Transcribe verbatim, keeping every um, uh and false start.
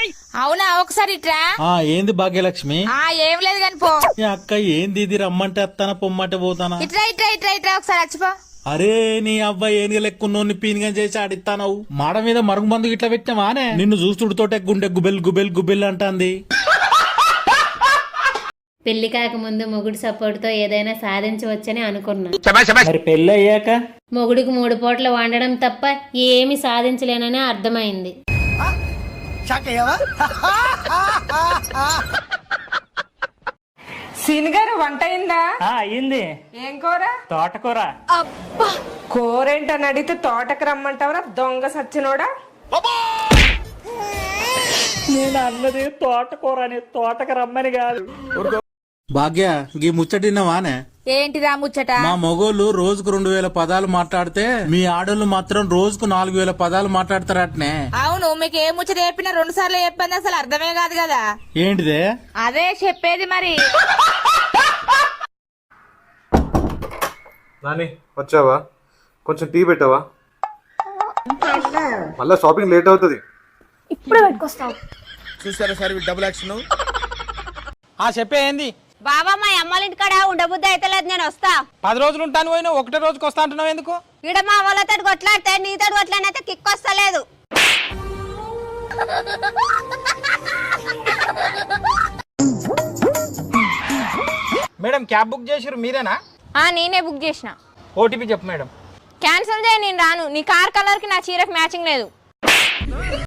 అవునా ఒకసారి ఇట్రా. ఆ ఏంది భాగ్యలక్ష్మి? ఆ ఏం లేదు కాని పో. ఏ అక్క ఏంది ఇది? రమ్మంటే అత్తానా పొమ్మంటే పోతానా? ఇట్రా ఇట్రా ఇట్రా ఇట్రా ఒకసారి వచ్చిపో. అరే నీ అబ్బాయి ఏనుగ లెక్కున్నోని పీనిగా చేసి ఆడిస్తానవు. మాడ మీద మరుగు మందు ఇట్లా పెట్టావానే? నిన్ను చూస్తుడుతోటే గుండె గుబెల్ గుబెల్ గుబెల్ అంటాంది. పెళ్లి కాకముందు మొగుడు సపోర్ట్ తో ఏదైనా సాధించవచ్చని అనుకున్నా. మరి పెళ్లి అయ్యాక మొగుడికి మూడు పూటలు వండడం తప్ప ఏమి సాధించలేనని అర్థమైంది. సీనిగారు వంట అయిందా? అయింది. ఏం కూర? తోటకూర. కూర ఏంటని అడిగితే తోటకు రమ్మంటావరా దొంగ సచ్చినోడా? నేను అన్నది తోటకూర అని, తోటకు రమ్మని కాదు. భాగ్య గీ ముచ్చటిన్నవానే? ఏంటిదా ముచ్చట? మా మొగోళ్ళు రోజుకు రెండు వేల పదాలు మాట్లాడితే మీ ఆడోళ్ళు మాత్రం రోజుకు నాలుగు వేల పదాలు మాట్లాడతారటనే. అవును, మీకు ఏ ముచ్చట చెప్పినా రెండు సార్లు చెప్పింది అసలు అర్థమే కాదు కదా. ఏంటిదే? అదే చెప్పేది మరి. నాని వచ్చావా? కొంచెం టీ పెట్టావా? మళ్ళా షాపింగ్ లేట్ అవుతుంది. ఇప్పుడే పెట్టుకొస్తావు. చూసారా సార్ డబుల్ యాక్షన్. ఆ చెప్పే ఏంది? బాబా మా అమ్మాళ్ళ ఇంటికాడ ఉండబుద్ధి అయితే లేదు, నేను వస్తా. పది రోజులు ఉంటాను పోయినా ఒకటే రోజుకి వస్తా అంటున్నావు ఎందుకు? ఈడ మా వాళ్ళతో కొట్లాడితే నీతో కొట్లాడినైతే కిక్ వస్తలేదు. మేడం క్యాబ్ బుక్ చేసిరు మీరేనా? ఆ నేనే బుక్ చేసిన. ఓటీపీ చెప్పు మేడం. క్యాన్సిల్ చేయి, నేను రాను. నీ కార్ కలర్ కి నా చీరకు మ్యాచింగ్ లేదు.